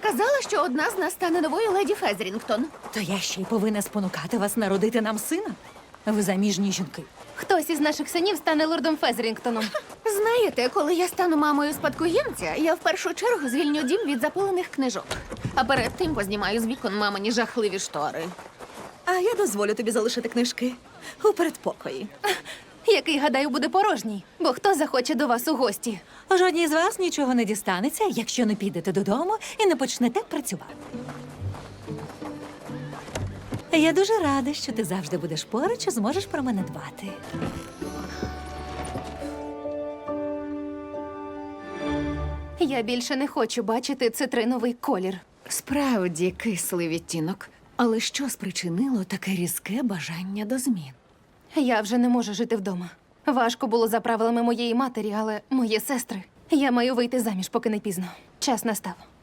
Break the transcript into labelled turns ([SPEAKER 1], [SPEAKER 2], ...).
[SPEAKER 1] казала, що одна з нас стане новою леді Фезрінгтон.
[SPEAKER 2] То я ще й повинна спонукати вас народити нам сина. Ви заміжні жінки.
[SPEAKER 3] Хтось із наших синів стане лордом Фезрінгтоном.
[SPEAKER 1] Знаєте, коли я стану мамою спадкоємця, я в першу чергу звільню дім від запилених книжок. А перед тим познімаю з вікон мамині жахливі штори.
[SPEAKER 4] А я дозволю тобі залишити книжки у передпокої.
[SPEAKER 3] Який, гадаю, буде порожній. Бо хто захоче до вас у гості?
[SPEAKER 2] Жодній з вас нічого не дістанеться, якщо не підете додому і не почнете працювати. Я дуже рада, що ти завжди будеш поруч і зможеш про мене дбати.
[SPEAKER 3] Я більше не хочу бачити цитриновий колір.
[SPEAKER 1] Справді кислий відтінок. Але що спричинило таке різке бажання до змін?
[SPEAKER 3] Я вже не можу жити вдома. Важко було за правилами моєї матері, але мої сестри. Я маю вийти заміж, поки не пізно. Час настав.